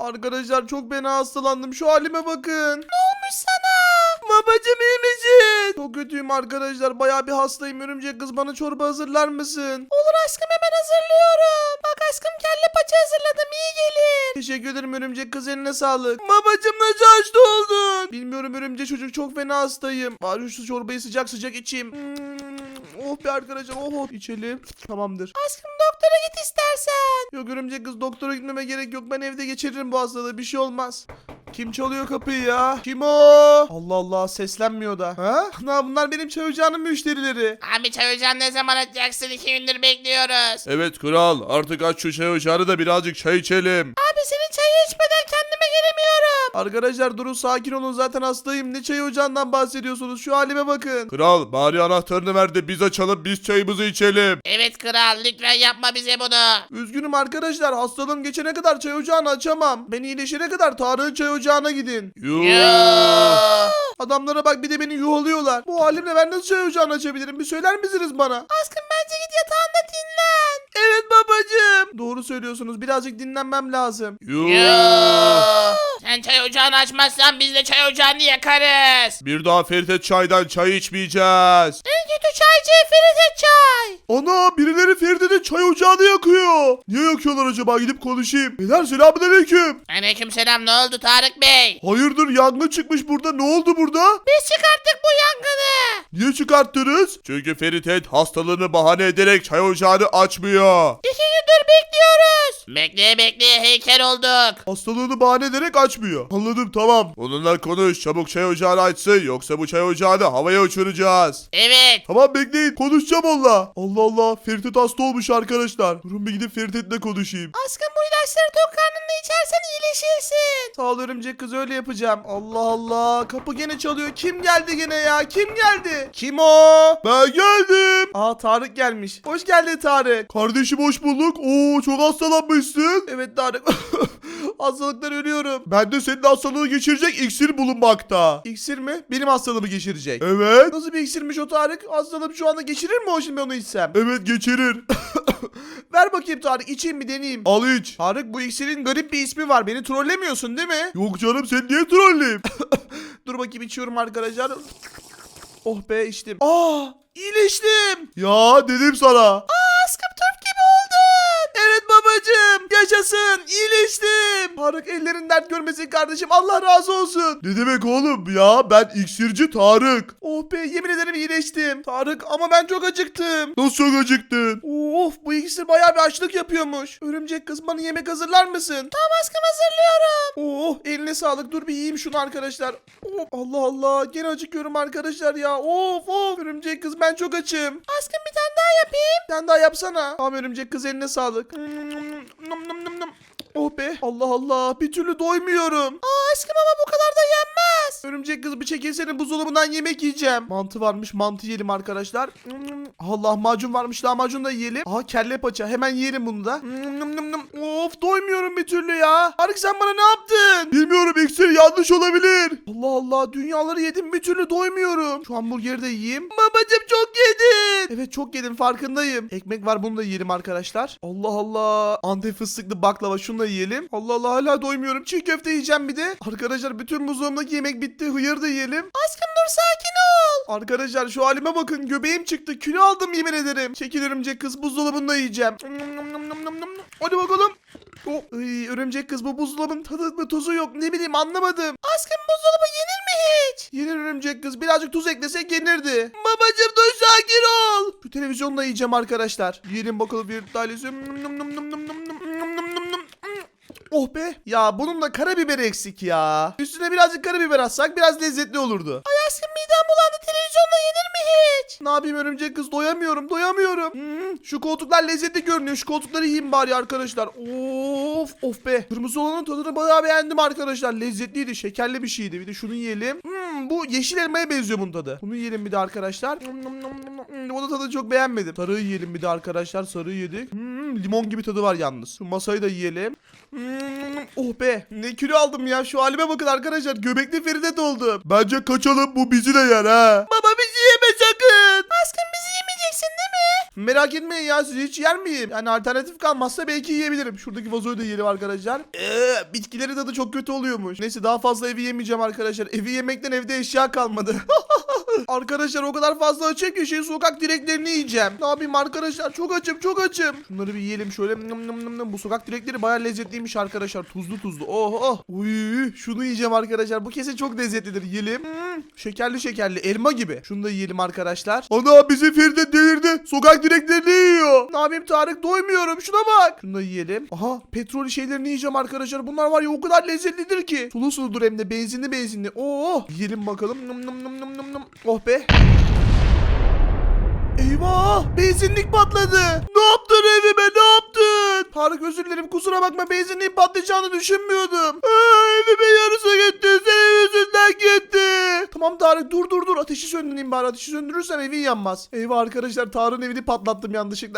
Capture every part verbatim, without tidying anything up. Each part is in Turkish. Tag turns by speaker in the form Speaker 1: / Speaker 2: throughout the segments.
Speaker 1: Arkadaşlar çok fena hastalandım. Şu halime bakın.
Speaker 2: Ne olmuş sana?
Speaker 1: Babacım iyi misin? Çok kötüyüm arkadaşlar. Bayağı bir hastayım. Örümcek kız bana çorba hazırlar mısın?
Speaker 2: Olur aşkım, hemen hazırlıyorum. Bak aşkım, kelle paça hazırladım, iyi gelir.
Speaker 1: Teşekkür ederim örümcek kız, eline sağlık. Babacım nasıl hasta oldun? Bilmiyorum örümcek çocuk, çok fena hastayım. Bari şu çorbayı sıcak sıcak içeyim. Hmm, oh be arkadaşlar, oh, oh içelim. Tamamdır.
Speaker 2: Aşkım doktora git istersen.
Speaker 1: Yok örümcek kız, doktora gitmeme gerek yok. Ben evde geçiririm bu hastalığı, bir şey olmaz. Kim çalıyor kapıyı ya? Kim o? Allah Allah, seslenmiyor da. Ha? Na, bunlar benim çay ocağının müşterileri.
Speaker 2: Abi çay ocağını ne zaman açacaksın? İki gündür bekliyoruz.
Speaker 3: Evet kral, artık aç şu çay ocağını da birazcık çay içelim.
Speaker 2: Abi senin çayı içmeden kendime gelemiyorum.
Speaker 1: Arkadaşlar durun, sakin olun, zaten hastayım. Ne çay ocağından bahsediyorsunuz? Şu halime bakın.
Speaker 3: Kral, bari anahtarını ver de biz açalım, biz çayımızı içelim.
Speaker 2: Evet kral, lütfen yapma bize bunu.
Speaker 1: Üzgünüm arkadaşlar, hastalığım geçene kadar çay ocağını açamam. Ben iyileşene kadar Tarık'ın çay ocağına gidin.
Speaker 3: Yuh.
Speaker 1: Adamlara bak, bir de beni yuhalıyorlar. Bu halimle ben nasıl çay ocağını açabilirim? Bir söyler misiniz bana?
Speaker 2: Aşkım bence git yatağında dinlen.
Speaker 1: Evet babacığım. Doğru söylüyorsunuz, birazcık dinlenmem lazım.
Speaker 3: Yuh.
Speaker 2: Sen çay ocağını açmazsan biz de çay ocağını yakarız.
Speaker 3: Bir daha Ferit çaydan çay içmeyeceğiz.
Speaker 2: En kötü çaycı Feride Çay.
Speaker 1: Ana, birileri Feride'nin çay ocağını yakıyor. Niye yakıyorlar acaba? Gidip konuşayım. Beyler selamünaleyküm.
Speaker 2: Aleykümselam, ne oldu Tarık Bey?
Speaker 1: Hayırdır, yangın çıkmış burada. Ne oldu burada?
Speaker 2: Biz çıkarttık bu yangını.
Speaker 1: Niye çıkarttınız?
Speaker 3: Çünkü Ferit hastalığını bahane ederek çay ocağını açmıyor.
Speaker 2: İki gündür bekliyoruz. Bekleye bekleye heykel olduk.
Speaker 1: Hastalığını bahane ederek açmıyor. Anladım, tamam.
Speaker 3: Onunla konuş, çabuk çay ocağını açsın, yoksa bu çay ocağını havaya uçuracağız.
Speaker 2: Evet.
Speaker 1: Tamam, bekleyin, konuşacağım onunla. Allah Allah, Ferit hasta olmuş arkadaşlar. Durun bir gidip Ferit'le konuşayım.
Speaker 2: Aşkım bu ilaçları tok karnında içersen iyileşirsin.
Speaker 1: Sağ ol örümcek kız, öyle yapacağım. Allah Allah, kapı gene çalıyor. Kim geldi gene ya? Kim geldi? Kim o?
Speaker 3: Ben geldim.
Speaker 1: Aa, Tarık gelmiş. Hoş geldin Tarık.
Speaker 3: Kardeşim hoş bulduk. Oo, çok hastalanmışsın.
Speaker 1: Evet Tarık. Hastalıktan ölüyorum.
Speaker 3: Ben de senin hastalığını geçirecek iksir bulunmakta.
Speaker 1: İksir mi? Benim hastalığımı geçirecek.
Speaker 3: Evet.
Speaker 1: Nasıl bir iksirmiş o Tarık? Hastalığım şu anda geçirir mi o, şimdi ben onu içsem?
Speaker 3: Evet, geçirir.
Speaker 1: Ver bakayım Tarık, içeyim bir deneyeyim.
Speaker 3: Al iç.
Speaker 1: Tarık, bu iksirin garip bir ismi var. Beni trollemiyorsun değil mi?
Speaker 3: Yok canım, sen niye trolleyim?
Speaker 1: Dur bakayım, içiyorum arkadaşlar. Oh be, içtim. Aa, iyileştim.
Speaker 3: Ya dedim sana.
Speaker 2: Aşkım Türk gibi oldun.
Speaker 1: Evet babacığım, yaşasın, iyileştim. Tarık, ellerin dert görmesin kardeşim, Allah razı olsun.
Speaker 3: Ne demek oğlum ya, ben iksirci Tarık.
Speaker 1: Oh be, yemin ederim iyileştim. Tarık, ama ben çok acıktım.
Speaker 3: Nasıl çok acıktın?
Speaker 1: Of, bu iksir bayağı bir açlık yapıyormuş. Örümcek kız, bana yemek hazırlar mısın?
Speaker 2: Tamam aşkım, hazırlıyorum.
Speaker 1: Oh, eline sağlık. Dur bir yiyeyim şunu arkadaşlar. Oh, Allah Allah, gene acıkıyorum arkadaşlar ya. Of of, örümcek kız ben çok açım.
Speaker 2: Aşkım bir tane daha yapayım.
Speaker 1: Sen daha yapsana. Tamam örümcek kız, eline sağlık. Nım nım nım nım. Oh be, Allah Allah, bir türlü doymuyorum.
Speaker 2: Aa aşkım, ama bu kadar da yenmez.
Speaker 1: Örümcek kız, bir çekilsene, buzdolabından yemek yiyeceğim. Mantı varmış, mantı yiyelim arkadaşlar. Allah, macun varmış, lahmacun da yiyelim. Aha, kelle paça, hemen yiyelim bunu da. Of, doymuyorum bir türlü ya. Tarık, sen bana ne yaptın?
Speaker 3: Bilmiyorum, iksir yanlış olabilir.
Speaker 1: Allah Allah, dünyaları yedim, bir türlü doymuyorum. Şu hamburgeri de yiyeyim. Babacım çok yedin. Evet, çok yedim, farkındayım. Ekmek var, bunu da yiyelim arkadaşlar. Allah Allah. Antep fıstıklı baklava, şunu da yiyelim. Allah Allah, hala doymuyorum. Çiğ köfte yiyeceğim bir de. Arkadaşlar, bütün buzdolabındaki yemek bitti. Hıyır da yiyelim.
Speaker 2: Aşkım dur, sakin ol.
Speaker 1: Arkadaşlar, şu halime bakın, göbeğim çıktı. Kilo aldım yemin ederim. Çekil örümcek kız, buzdolabında yiyeceğim. Hadi bakalım. Oh, ay, örümcek kız, bu buzdolabının tadı ve tuzu yok. Ne bileyim, anlamadım.
Speaker 2: Aşkım buzdolabı yenir mi hiç?
Speaker 1: Yenir örümcek kız. Birazcık tuz eklesek yenirdi. Babacım dur, sakin ol. Şu televizyonda yiyeceğim arkadaşlar. Yiyelim bakalım bir tanesi. Oh be. Ya bunun da karabiber eksik ya. Üstüne birazcık karabiber atsak biraz lezzetli olurdu.
Speaker 2: Ay aşkım, midem bulandı, televizyonda yenir mi hiç?
Speaker 1: Ne yapayım örümcek kız, doyamıyorum doyamıyorum. Hmm, şu koltuklar lezzetli görünüyor. Şu koltukları yiyeyim bari arkadaşlar. Of of be. Kırmızı olanın tadını bayağı beğendim arkadaşlar. Lezzetliydi, şekerli bir şeydi. Bir de şunu yiyelim. Hmm, bu yeşil elmaya benziyor bunun tadı. Bunu yiyelim bir de arkadaşlar. Hmm, o da tadı çok beğenmedim. Sarıyı yiyelim bir de arkadaşlar. Sarıyı yedik. Hmm, limon gibi tadı var yalnız. Şu masayı da yiyelim. Hmm, oh be. Ne kilo aldım ya. Şu halime bakın arkadaşlar. Göbekli Feride oldum.
Speaker 3: Bence kaçalım, bu bizi de yer ha.
Speaker 1: Baba, bizi yeme sakın.
Speaker 2: Aşkım bizi yemeyeceksin değil mi?
Speaker 1: Merak etmeyin ya, sizi hiç yer miyim? Yani alternatif kalmazsa belki yiyebilirim. Şuradaki vazoyu da yiyelim arkadaşlar. Eee bitkileri tadı çok kötü oluyormuş. Neyse daha fazla evi yemeyeceğim arkadaşlar. Evi yemekten evde eşya kalmadı. Arkadaşlar o kadar fazla açım ki şey sokak direklerini yiyeceğim. Ne yapayım arkadaşlar, çok açım çok açım. Şunları bir yiyelim şöyle. Nım nım nım nım. Bu sokak direkleri bayağı lezzetliymiş arkadaşlar. Tuzlu tuzlu. Oh oh. Uy, şunu yiyeceğim arkadaşlar. Bu kesin çok lezzetlidir. Yiyelim. Hmm, şekerli şekerli elma gibi. Şunu da yiyelim arkadaşlar.
Speaker 3: Ana bizim Feride delirdi. Sokak direklerini yiyor.
Speaker 1: Ne yapayım Tarık, doymuyorum. Şuna bak. Şunu da yiyelim. Aha petrol şeylerini yiyeceğim arkadaşlar. Bunlar var ya o kadar lezzetlidir ki. Sulu suludur hem de benzinli benzinli. Oo. Yiyelim bakalım. Nım nım nım nım nım nım. Oh be. Eyvah! Benzinlik patladı. Ne yaptın evime, ne yaptın? Tarık özür dilerim, kusura bakma, benzinliğin patlayacağını düşünmüyordum. Aa, evimin yarısı gitti. Senin yüzünden gitti. Tamam Tarık, dur dur dur. Ateşi söndüreyim bari. Ateşi söndürürsem evin yanmaz. Eyvah arkadaşlar, Tarık'ın evini patlattım yanlışlıkla.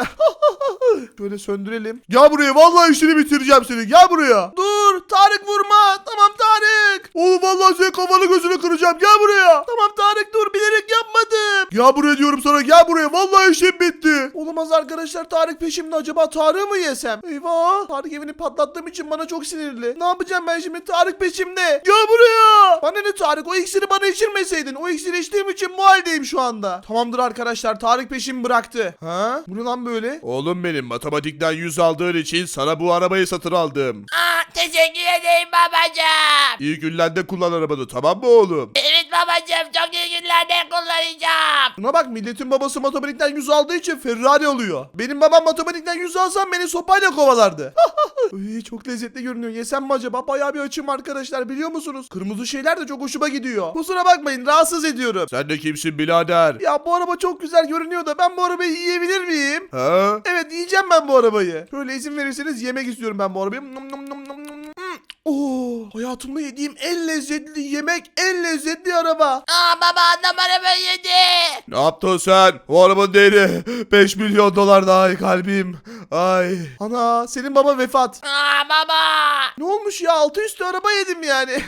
Speaker 1: Şöyle söndürelim.
Speaker 3: Gel buraya, vallahi işini bitireceğim seni. Gel buraya.
Speaker 1: Dur Tarık, vurma. Tamam Tarık.
Speaker 3: Oğlum vallahi senin kafanı gözünü kıracağım. Gel buraya.
Speaker 1: Tamam Tarık, dur, bilerek yapmadım.
Speaker 3: Gel buraya diyorum sana, gel buraya. Vallahi işim bitti.
Speaker 1: Olamaz arkadaşlar, Tarık peşimde. Acaba Tarık'ı mı yesem? Eyvah, Tarık evini patlattığım için bana çok sinirli. Ne yapacağım ben şimdi? Tarık peşimde. Gel buraya. Bana ne Tarık, o iksiri bana içirmeseydin. O iksiri içtiğim için bu haldeyim şu anda. Tamamdır arkadaşlar, Tarık peşimi bıraktı. Ha? Bu ne lan böyle?
Speaker 3: Oğlum benim, matematikten yüz aldığın için sana bu arabayı satın aldım.
Speaker 2: Aa, teşekkür ederim babacığım.
Speaker 3: İyi günlerde kullan arabanı, tamam mı oğlum?
Speaker 2: Evet babacığım, çok iyi günlerde kullanacağım.
Speaker 1: Buna bak, milletin babası matematikten yüz aldığı için Ferrari alıyor. Benim babam matematikten yüz alsam beni sopayla kovalardı. Ay, çok lezzetli görünüyor. Yesem mi acaba? Bayağı bir açım arkadaşlar, biliyor musunuz? Kırmızı şeyler de çok hoşuma gidiyor. Kusura bakmayın, rahatsız ediyorum.
Speaker 3: Sen de kimsin birader?
Speaker 1: Ya bu araba çok güzel görünüyor da ben bu arabayı yiyebilir miyim?
Speaker 3: Ha?
Speaker 1: Evet, yiyeceğim ben bu arabayı. Şöyle izin verirseniz yemek istiyorum ben bu arabayı. Num num num num num. Hmm. Oo, hayatımda yediğim en lezzetli yemek, en lezzetli araba.
Speaker 2: Aa baba, adam arabayı yedi.
Speaker 3: Ne yaptın sen? O arabanın değeri beş milyon dolar daha, ay kalbim. Ay.
Speaker 1: Ana, senin baba vefat.
Speaker 2: Aa baba.
Speaker 1: Ne olmuş ya, altı üstü araba yedim yani.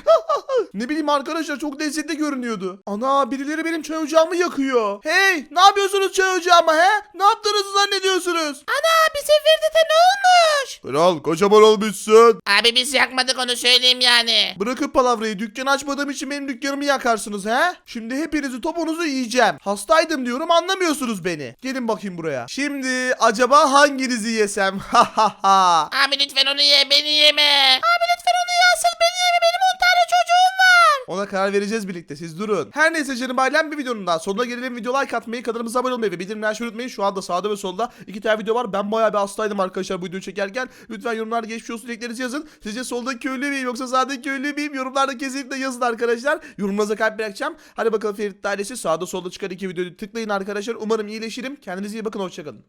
Speaker 1: Ne bileyim arkadaşlar, çok lezzetli görünüyordu. Ana, birileri benim çay ocağımı yakıyor. Hey, ne yapıyorsunuz çay ocağıma he? Ne yaptığınızı zannediyorsunuz?
Speaker 2: Ana, bir Feride ne olmuş?
Speaker 3: Kral kocaman olmuşsun.
Speaker 2: Abi biz yakmadık, onu söyleyeyim yani.
Speaker 1: Bırakıp palavrayı, dükkanı açmadığım için benim dükkanımı yakarsınız he? Şimdi hepinizi, topunuzu yiyeceğim. Hastaydım diyorum, anlamıyorsunuz beni. Gelin bakayım buraya. Şimdi acaba hanginizi yesem? Ha ha ha.
Speaker 2: Abi lütfen onu ye, beni yeme. Abi lütfen onu ye, asıl beni yeme, benim on tane çocuğum var.
Speaker 1: Ona karar vereceğiz birlikte, siz durun. Her neyse canım ailem, bir videonun daha sonuna gelelim. Video like atmayı, kanalımıza abone olmayı ve bildirimleri açmayı unutmayın. Şu anda sağda ve solda iki tane video var. Ben bayağı bir hastaydım arkadaşlar bu videoyu çekerken. Lütfen yorumlarda geçmiş olsun dileklerinizi yazın. Sizce soldaki köylü müyüm yoksa sağdaki köylü müyüm? Yorumlarda kesinlikle yazın arkadaşlar. Yorumlarınıza kalp bırakacağım. Hadi bakalım Ferit ailesi, sağda solda çıkan iki videoyu tıklayın arkadaşlar. Umarım iyileşirim. Kendinize iyi bakın, hoşçakalın.